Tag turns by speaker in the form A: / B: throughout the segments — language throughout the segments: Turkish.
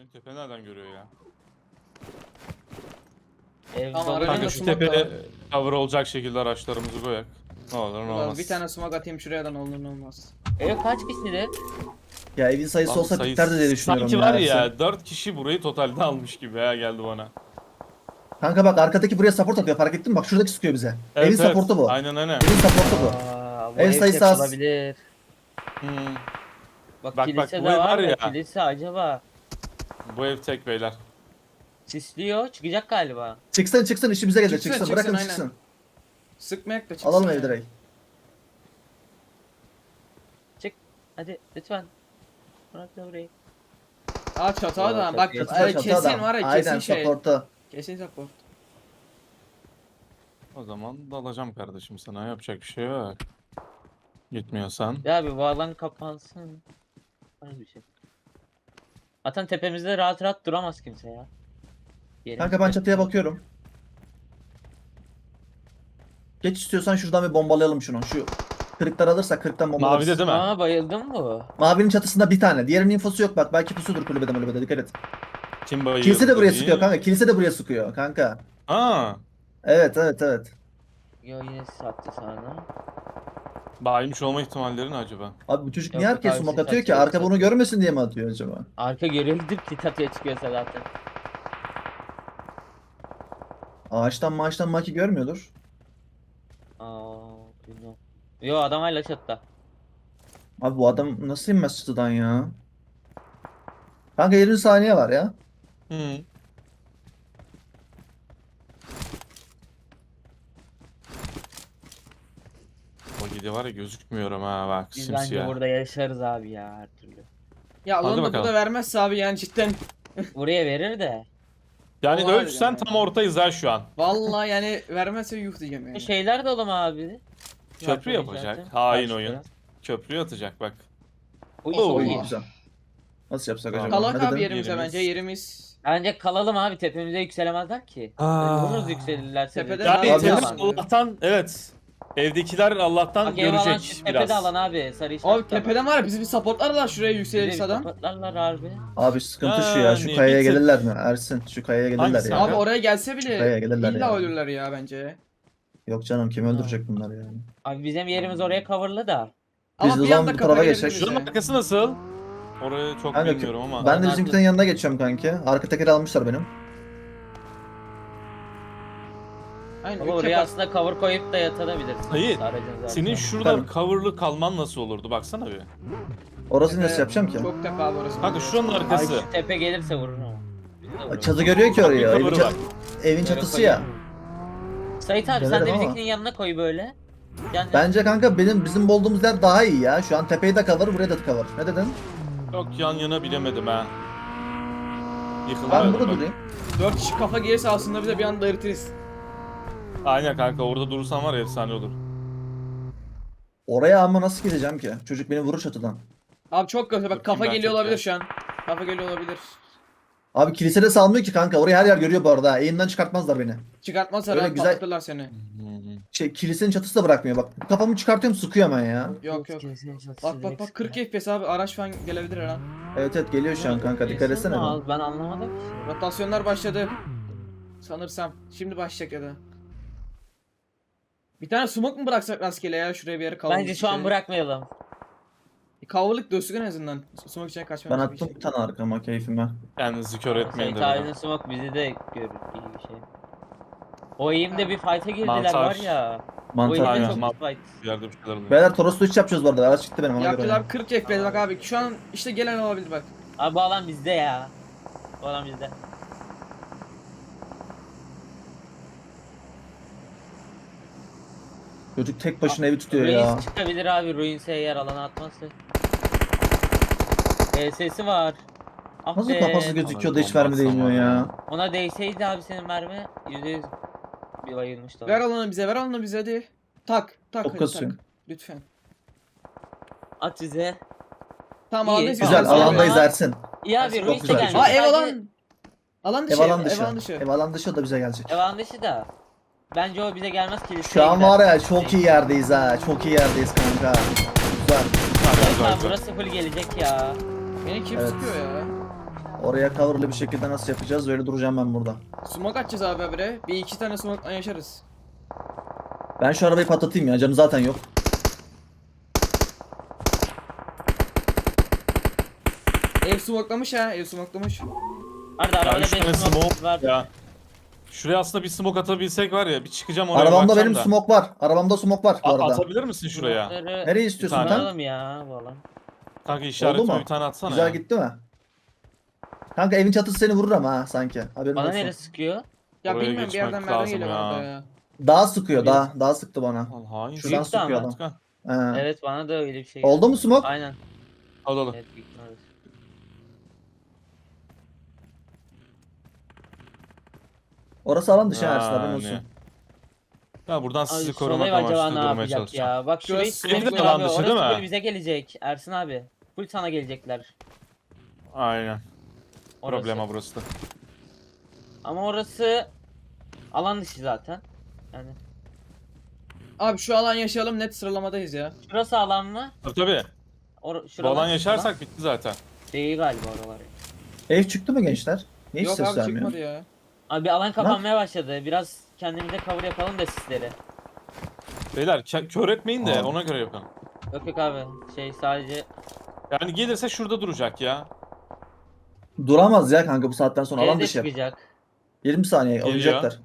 A: Benim tepe nereden görüyor ya?
B: Ev
C: Tamam,
B: dolu.
C: aracın
A: Kanka
C: da
A: şu
C: smoke
A: tepeye
C: var.
A: cover olacak şekilde araçlarımızı koyak. Ne olur ne olmaz.
C: Bir tane smoke atayım şuradan olur ne olmaz.
B: Ev kaç kişidir?
D: Ya evin sayısı
A: Lan
D: olsa
A: sayısı-
D: biterdi diye düşünüyorum
A: Sanki var ya
D: Ersin.
A: 4 kişi burayı totalde almış gibi ya geldi bana.
D: Kanka bak arkadaki buraya support atıyor, fark ettin mi? Bak şuradaki sıkıyor bize.
A: Evet,
D: Evin
A: evet.
D: supportu bu.
A: Aynen aynen.
D: Evin supportu bu.
B: Aa, bu
D: Ev
B: ev
D: sayısı
B: tek
D: az.
B: olabilir.
A: Hmm,
B: Bak,
A: Bak,
B: kilise
A: bu
B: de
A: ev
B: var
A: var
B: da
A: ya.
B: kilise acaba
A: bu ev tek beyler.
B: sisliyor, çıkacak galiba.
D: Çıksın çıksın, işimize gelir,
C: Çıksın,
D: çıksın.
C: çıksın,
D: Bırakın
C: aynen.
D: çıksın.
C: Sıkmayak da çıksın.
D: Alalım
C: ya.
D: evi direkt.
B: Çık hadi lütfen. Bırak da burayı.
C: Aa çatı
B: Aa,
C: da bak
B: çatı,
D: Çatı
C: kesin
D: adam.
C: var ya
D: Aynen
C: kesin şey.
D: supportu.
C: Kesin support.
A: O zaman dalacağım kardeşim sana, yapacak bir şey yok. Gitmiyorsan.
B: Ya bir bu alan kapansın. Var bir şey. Zaten tepemizde rahat rahat duramaz kimse ya. Yerimiz
D: Kanka ben
B: tek-
D: çatıya bakıyorum. Geç istiyorsan şuradan bir bombalayalım şunu. Şu kırıklar alırsak kırıktan bombalarız.
A: Mavide değil mi?
B: Aa, bayıldın mı?
D: Mavinin çatısında bir tane. Diğerinin infosu yok bak. Belki pusudur kulübede dikkat et.
A: Kim bayıldı?
D: Kilise de buraya
A: iyi.
D: sıkıyor kanka. Kilise de buraya sıkıyor kanka.
A: Aa,
D: Evet evet evet.
B: Yo yine sattı sana.
A: bayılmış olma ihtimalleri ne acaba?
D: Abi bu çocuk
B: Yok,
D: niye
B: yok
D: herkes
B: abi,
D: smoke
B: siz
D: atıyor ki?
B: atıyor,
D: Arka
B: siz
D: bunu görmesin diye mi atıyor acaba?
B: Arka görüldü kit atıyor çıkıyorsa zaten.
D: Ağaçtan maaştan maki görmüyordur.
B: Aa, bilmiyorum. Yo adam hala çatıda.
D: Abi bu adam nasıl inmez çatıdan ya? Kanka 20 saniye var ya.
A: Hı. O gidi var ya, gözükmüyorum ha bak,
B: Biz bence
A: simsiyah.
B: burada yaşarız abi ya her türlü.
C: Ya
A: Hadi
C: alanı da
A: bakalım.
C: burada vermezse abi yani cidden.
B: Buraya verir de.
A: Yani
C: O var
A: ölçsen
C: yani.
A: tam ortayız ha şu an.
C: Vallahi yani vermezse yuh diyeceğim yani.
B: Şeyler de oğlum abi.
A: Köprü
B: Var
A: yapacak.
B: zaten.
A: Hain
B: Karşıda.
A: oyun. Köprü atacak bak.
B: Oy,
A: Oo.
B: oy.
D: İyi güzel. Nasıl yapsak acaba?
C: Kalak
D: Ne
C: abi
D: dedin?
C: yerimize
A: Yerimiz.
C: bence yerimiz.
B: Bence kalalım abi tepemize yükselemezler ki.
A: Aa.
B: Vururuz yükselirlerse.
C: Tepede
B: de.
A: Yani
C: Abi,
A: tepede
C: yapamam.
A: Allah'tan, evet. Evdekiler Allah'tan
B: Bak ev alan
A: görecek
B: şu
A: biraz.
B: tepede alan abi sarı işaret.
C: Abi tepeden var ya bizi bir supportlarlar şuraya yükselirse adam.
B: Kapatlarlar harbi.
D: Abi sıkıntı şu ya. Şu
A: Yani
D: kayaya
A: bir tık.
D: gelirler mi? Ersin şu kayaya gelirler
A: Hangisi
D: ya.
A: abi?
C: Abi oraya gelse
D: Şuraya
C: bile
D: gelirler
C: illa
D: ya.
C: ölürler ya bence.
D: Yok canım kim öldürecek bunlar yani.
B: Abi bizim yerimiz oraya coverlı da.
D: Biz
C: Ama
D: de
C: bir
D: zaman
C: anda
D: bu
C: kafa
D: tarafa
C: gelebilir
D: geçecek.
C: bize.
A: Şunun arkası nasıl? Orayı çok
D: Kanka,
A: bilmiyorum ama.
D: Ben de
B: Alan
D: bizimkilerin yanına geçiyorum kanki. Arka tekeri almışlar benim.
C: Aynen
B: Ama
C: üç
B: oraya
C: yapar.
B: aslında cover koyup da yatabilirsin.
A: Hayır,
B: Aracın zaten.
A: Senin şurada
D: Tabii.
A: coverlı kalman nasıl olurdu baksana bir.
D: Orası
C: Tepe-
D: nasıl yapacağım ki?
C: Çok tepe abi orası.
A: Kanka şuranın
B: Ay
A: arkası.
B: şu tepe gelirse vurur ama. Bizi de vurur.
D: Çatı görüyor ki orayı.
A: Bir
D: Evin,
A: cover'ı var.
D: evin
B: Böyle
D: çatısı
B: koyayım.
D: ya.
B: Sait abi sen
D: Gelirim
B: de
D: ama.
B: bizimkinin yanına koy böyle. Yani
D: Bence kanka bizim olduğumuz yer daha iyi ya. Şu an tepeyi de cover, buraya da cover. Ne dedin?
A: Çok yan yana bilemedim ha. Yıkıldı.
D: Ben burada durayım.
C: 4 kişi kafa gelirse aslında bize bir anda eritiriz.
A: Aynen kanka, orada durursan var ya efsane olur.
D: Oraya ama nasıl gideceğim ki? Çocuk beni vurur çatıdan.
C: Abi çok kötü
A: Bakayım
C: bak kafa
A: ben
C: geliyor
A: çok
C: olabilir
A: ya.
C: şu an. Kafa geliyor olabilir.
D: Abi kilisede salmıyor ki kanka. Orayı her yer görüyor bu arada. Eğimden çıkartmazlar beni.
C: Çıkartmazsa
D: Öyle
C: rahat
D: güzel-
C: patlatırlar seni.
D: Kilisenin çatısı da bırakmıyor bak. Kafamı çıkartıyorum sıkıyor hemen ya.
C: Yok yok.
B: Kimsenin çatısı
C: Bak bak
B: direkt
C: bak 40
B: sıkıyor.
C: FPS abi araç falan gelebilir her an.
D: Evet evet geliyor şu an kanka. Dikkat
B: Kesin
D: etsene.
B: mi?
D: bir.
B: Al, ben anlamadım ki.
C: Rotasyonlar başladı. Sanırsam. Şimdi başlayacak ya da. Bir tane smoke mu bıraksak rastgele ya şuraya bir yere kavurluk
B: Bence şu an
C: şey.
B: bırakmayalım.
C: Kavurluk dönsün en azından. Smoke içine
D: Ben
C: kaçmamız
D: attım bir tane arkama keyfime.
A: Kendinizi kör etmeyin
B: Sait
A: de.
B: abinin smoke bizi de görür iyi bir şey. O eğimde bir fight'a girdiler
A: Mantar.
B: var ya. O
D: Mantar
B: eğimde
A: Aynen,
D: ya.
B: çok
A: mantar.
B: fight.
A: Bir yerde bir şeyler oluyor.
D: Beyler Toros'ta 3 yapacağız bu arada. Araç çıktı benim ona göre.
C: Yaptılar 40 FPS bak abi. Şu an işte gelen olabilir bak.
B: Abi bu alan bizde ya. Bu alan bizde.
D: Çocuk tek başına evi tutuyor ya.
B: Ruins çıkabilir abi. Ruins'e eğer alana atmazsa. Sesi var. Ah
D: Nasıl
B: be.
D: kafası gözüküyor da hiç mermi değmiyor ya.
B: Ona değseydi abi senin mermi %100 bir bayılmıştı.
C: Ver alanı bize, ver alanı bize hadi. Tak, tak
D: Çok
C: hadi
D: kasıyor.
C: tak. Lütfen.
B: At bize.
C: Tamam
B: İyi,
C: alandayız.
D: Güzel
B: Tamam,
D: alandayız
B: ama-
D: Ersin.
B: İyi abi
D: Çok
B: Ruins'e
D: güzel.
B: gelmiş.
C: Aa ev
B: Sadece-
C: alan. Alan dışı.
D: Ev alan dışı.
C: Ev alan dışı.
D: Ev alan dışı o da bize gelecek.
B: Ev alan dışı da. Bence o bize gelmez kiliseye
D: Şu an
B: gider.
D: var ya çok iyi yerdeyiz ha. Çok iyi yerdeyiz kanka. Güzel.
B: Zaten burası full gelecek ya.
C: Beni kim
D: Evet.
C: sıkıyor ya?
D: Oraya coverlı bir şekilde nasıl yapacağız? Öyle duracağım ben burada.
C: Smoke atacağız abi habire. Bir iki tane smoke'la yaşarız.
D: Ben şu arabayı patlatayım ya. Canı zaten yok.
C: Ev smoke'lamış ha. Ev smoke'lamış.
B: Arda
A: Ya
B: arabada
A: 3 tane
B: 5
A: smoke
B: smoke var.
A: ya. Şuraya aslında bir smoke atabilsek var ya, bir çıkacağım oraya
D: Arabamda
A: bakacağım
D: benim
A: da.
D: smoke var. Arabamda smoke var bu arada.
A: Atabilir misin şuraya?
B: Smoke'ları
D: Nereye istiyorsun
A: tane.
D: sen?
B: kullanalım ya bu alan.
A: Kanka
D: Oldu
A: işaretime
D: mu?
A: bir tane atsana
D: Güzel
A: ya.
D: gitti mi? Kanka evin çatısı seni vurur ama ha sanki. Haberin
B: Bana
D: olsun.
B: neresi sıkıyor?
C: Ya
A: Oraya
C: bilmiyorum bir
A: geçmek
C: yerden merdiven
A: lazım
C: geliyor
A: ya.
C: orada ya.
D: Daha sıkıyor daha. Daha sıktı bana.
A: Lan hain.
D: Şuradan
B: Büyük de
D: sıkıyor
B: ama.
D: adam.
A: Çıkan.
D: He.
B: Evet bana da öyle bir şey
D: Oldu
B: geldi.
D: mu smoke?
B: Aynen.
A: Al al.
B: Evet büyük ihtimalle.
D: Orası alan dışı Ersin haberin
A: Yani.
D: olsun.
A: Ya buradan
B: Abi
A: sizi
B: Solay
A: korumak
B: acaba
A: amaçlı
B: ne
A: durmaya
B: yapacak
A: çalışacağım.
B: ya? Bak şurayı
C: Şurası
B: sıkıyor
A: evde
B: abi.
A: alan dışı değil mi?
B: Orası full bize gelecek. Ersin abi. Full sana gelecekler.
A: Aynen.
B: Orası.
A: Problema burası da.
B: Ama orası alan dışı zaten. Yani
C: Abi şu alan yaşayalım net sıralamadayız ya.
B: şurası alan mı?
A: Tabii tabii. Bu
B: Şuralar
A: alan yaşarsak bitti zaten.
B: değil galiba oralar.
D: Ev çıktı mı gençler? Niye hiç
C: Yok
D: ses
C: abi
D: vermiyor?
C: çıkmadı ya.
B: Abi alan kapanmaya başladı. Biraz kendimize cover yapalım da sisleri.
A: Beyler kör etmeyin de
D: Abi.
A: ona göre yapın.
B: Yok yok abi. Şey sadece
A: Yani gelirse şurada duracak ya.
D: Duramaz ya kanka bu saatten sonra alan
B: evde
D: dışı.
B: çıkacak.
D: 20 saniye
A: Geliyor.
D: oynayacaklar.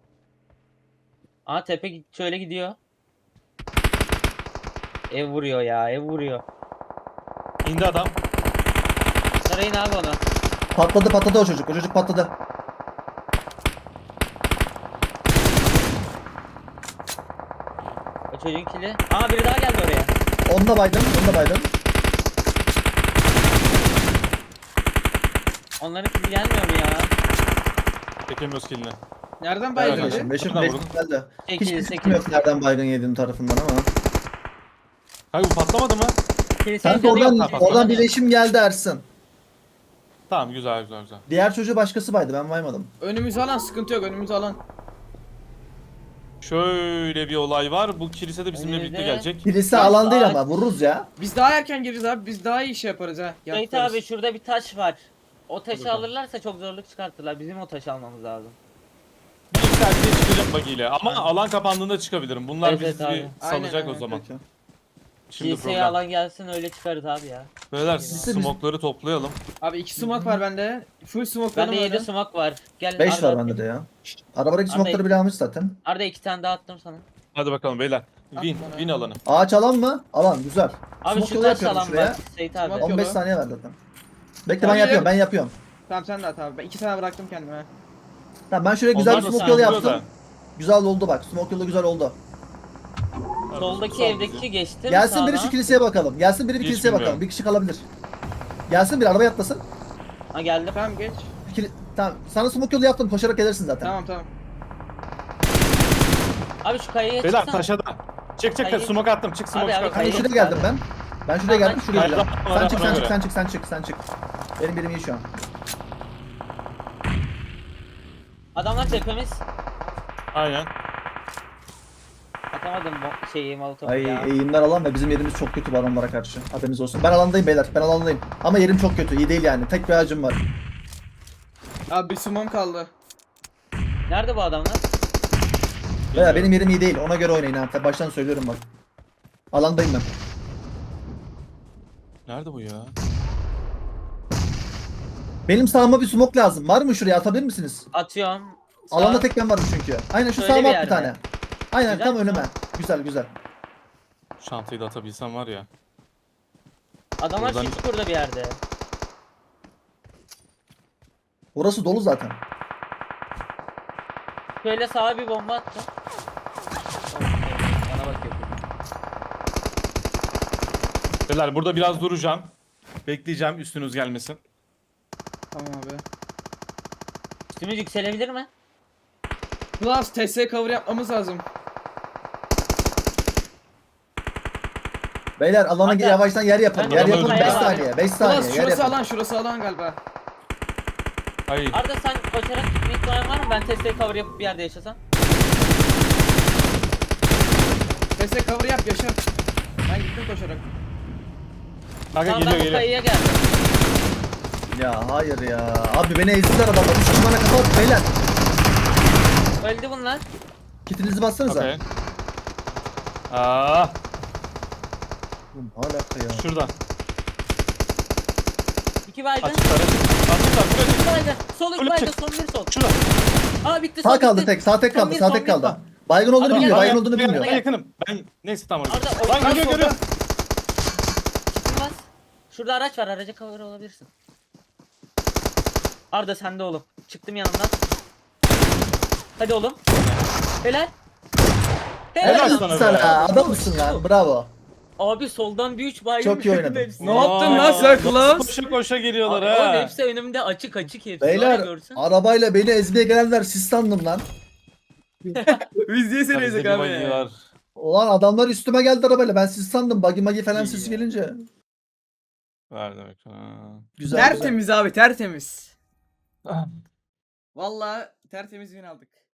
B: Aa tepe şöyle gidiyor. Ev vuruyor ya, ev vuruyor.
A: İndi adam.
B: Sarayın abi onu.
D: Patladı o çocuk. O çocuk patladı.
B: O çocuğun kili. Aa biri daha geldi oraya.
D: Onu da baydım. Onu da baydım.
B: Onların kili gelmiyor mu ya?
A: Çekemiyoruz kilini.
C: Nereden
A: Evet,
C: baydın
A: evet.
C: abi?
D: Beşim. Beşim.
A: Şuradan
D: Beşim
A: vurdum.
D: geldi. Hiçbir
B: 8
D: fikrim yok
B: 8.
D: nereden baygın yediğim tarafından ama.
A: Kanka bu patlamadı mı?
D: Kanka oradan birleşim geldi Ersin.
A: Tamam güzel güzel güzel.
D: Diğer çocuğu başkası baydı ben baymadım.
C: Önümüzü alan sıkıntı yok önümüzü alan.
A: Şöyle bir olay var. Bu kilise de bizimle birlikte
B: Önünde.
A: gelecek.
D: Kilise
B: Bak,
D: alan değil
B: ağaç-
D: ama vururuz ya.
C: Biz daha erken gireriz abi biz daha iyi şey yaparız ha.
B: Sait
C: Yaparız.
B: abi şurada bir taş var. O taşı
A: bakalım.
B: alırlarsa çok zorluk çıkartırlar. Bizim o taşı almamız lazım.
A: Bir iki terbiye çıkacak bagiyle. Ama alan kapandığında çıkabilirim. Bunlar
B: Evet,
A: bizi
B: abi.
A: bir salacak
C: Aynen,
A: o
C: aynen.
A: zaman.
D: Peki.
A: Şimdi
B: Kiliseye
A: problem.
B: alan gelsin öyle çıkarız abi ya.
A: Beyler
D: Kilise
A: smokları toplayalım.
C: Abi 2 smoke var bende. Full smoke
B: Bende
C: benim
B: 7
C: öyle.
B: smoke var. Gel
D: 5
B: Arda
D: var
B: atayım.
D: bende de ya. Arabadaki
B: Arda-
D: smokeları bile almış zaten.
B: Arda 2 tane daha attım sana.
A: Hadi bakalım beyler. Win,
C: bana.
A: win alanı.
D: Ağaç alan mı? Alan güzel.
B: Abi
D: Smoke
B: şu
D: yolu
B: taş
D: yapıyorum
B: alan
D: şuraya.
B: var Sait abi.
C: Smoke-
D: 15
C: yolu.
D: saniye ver zaten. Bekle
C: Hayır.
D: ben yapıyorum.
C: Tamam sen de at abi. Ben 2 tane bıraktım kendime.
D: Tamam ben şuraya güzel
A: Onlar
D: bir
A: da
D: smoke yolu
A: sağlıyor
D: yaptım. Güzel oldu bak. Smoke yolu güzel oldu.
B: Soldaki
A: Sal
B: evdeki
A: bizi.
B: geçtim.
D: Gelsin biri
B: sağdan.
D: şu kiliseye bakalım. Gelsin biri bir
A: Hiç
D: kiliseye bakalım.
A: bilmiyorum.
D: Bir kişi kalabilir. Gelsin bir arabaya atlasın.
B: Ha geldim.
C: Tamam geç.
D: Tamam. Sana smoke yolu yaptım. Koşarak gelirsin zaten.
C: Tamam tamam.
B: Abi şu kayaya
A: Beyler
B: çıksana.
A: taşa da. Çık
B: Hayır.
A: smoke attım. Çık smoke
B: Abi,
A: çık.
B: abi,
D: Hani
B: hayır.
D: şuraya geldim ben. Ben şuraya geldim. Şuraya
A: Hayır,
D: geldim.
A: hayır,
D: Sen çık
A: ona
D: sen çık
A: göre.
D: sen çık sen çık sen çık. Benim birim iyi şu an.
B: Adamlar tepemiz.
A: Aynen.
B: Atamadım şeyi molotofu
D: Ay
B: ya.
D: eğimler alan ve bizim yerimiz çok kötü bu adamlara karşı. Haberiniz olsun. Ben alandayım beyler. Ben alandayım. Ama yerim çok kötü. İyi değil yani. Tek bir ağacım var.
C: Abi bir smoke kaldı.
B: Nerede bu adamlar?
D: Beyler benim yerim iyi değil. Ona göre oynayın ha. Baştan söylüyorum bak. Alandayım ben.
A: Nerede bu ya?
D: Benim sağıma bir smoke lazım. Var mı şuraya atabilir misiniz?
B: Atıyorum. Sağ-
D: Alanda tek ben varım çünkü. Aynen şu
B: Şöyle
D: sağıma
B: bir
D: at bir
B: yerde.
D: tane. Aynen
B: Güzel
D: tam
B: mi?
D: önüme. Güzel güzel.
A: Şantayı da atabilsem var ya.
B: Adamlar
A: Buradan-
B: şu çukurda bir yerde.
D: Orası dolu zaten.
B: Şöyle sağa bir bomba attım. Bana bakıyor.
A: Beyler burada biraz duracağım. Bekleyeceğim üstünüz gelmesin.
C: Tamam abi.
B: Üstümüz yükselebilir mi?
C: Plus TS cover yapmamız lazım.
D: Beyler alana
B: Hatta-
D: yavaştan yer yapalım.
B: Ben
D: Yer
A: de
D: yapalım
A: öldüm.
D: 5
B: Kaya var.
D: saniye. 5 saniye.
C: Plus
D: Yer
C: şurası
D: yapalım.
C: alan şurası alan galiba.
A: Hayır.
B: Arda sen koşarak gitme ihtimalin var mı? Ben testeyi cover yapıp bir yerde yaşasam.
C: TS cover yap yaşar. Ben gittim koşarak.
A: Kanka
B: Tamam
A: geliyor
B: ben bu
A: geliyor.
B: kayaya geldim.
D: Ya hayır ya. Abi beni ezdiler adamlar. 3 kişi bana kafa attı beyler.
B: Öldü bunlar.
D: Kitinizi bassanıza.
A: Okey. Aa,
D: Oğlum, ne alaka ya.
A: şurada.
B: 2 baygın.
A: Açıklar, açıklar. Buraya.
B: 2 baygın. Sol 2
A: Ölüm
B: baygın.
A: çık.
B: Son bir sol.
A: Şurada.
B: Aa bitti sol
D: Sağ kaldı
B: bitti.
D: tek. Sağ tek
B: Son
D: kaldı.
B: bir,
D: Sağ
B: son
D: tek
B: bir.
D: kaldı. Baygın olduğunu
B: Adam
D: bilmiyor.
B: gel,
D: Baygın olduğunu
A: Ben
D: bilmiyor.
A: yakınım. Ben neyse tamam orada.
B: Arda,
A: Lan görüyor
B: solda.
A: görüyor.
B: Çıkmaz. Şurada araç var. Araca cover olabilirsin. Arda sende oğlum. Çıktım yanından. Hadi oğlum. Helal.
A: Helal
D: Helal
A: sana
D: sana.
A: be.
D: Adam mısın lan? Bravo.
B: Abi soldan bir 3 baygın.
D: Çok iyi oynadın.
B: Hepsi.
C: Ne yaptın lan
A: Aa,
C: sen
A: nasıl
C: Klaus?
A: Koşa koşa geliyorlar
B: Abi, oğlum
A: ha.
B: hepsi önümde açık açık hepsi. Var ya,
D: Beyler
B: görsün.
D: arabayla beni ezmeye gelenler siz sandım lan.
C: Biz niye seni
A: Bizde
C: ezdik
A: bir
C: abi
A: buggy
C: ya?
A: var.
D: Ulan adamlar üstüme geldi arabayla. Ben siz sandım. Buggy magi falan
A: İyi
D: sesi
A: ya.
D: gelince.
A: Var demek. Ha.
D: Güzel güzel.
C: Tertemiz abi tertemiz. Vallahi tertemiz win aldık.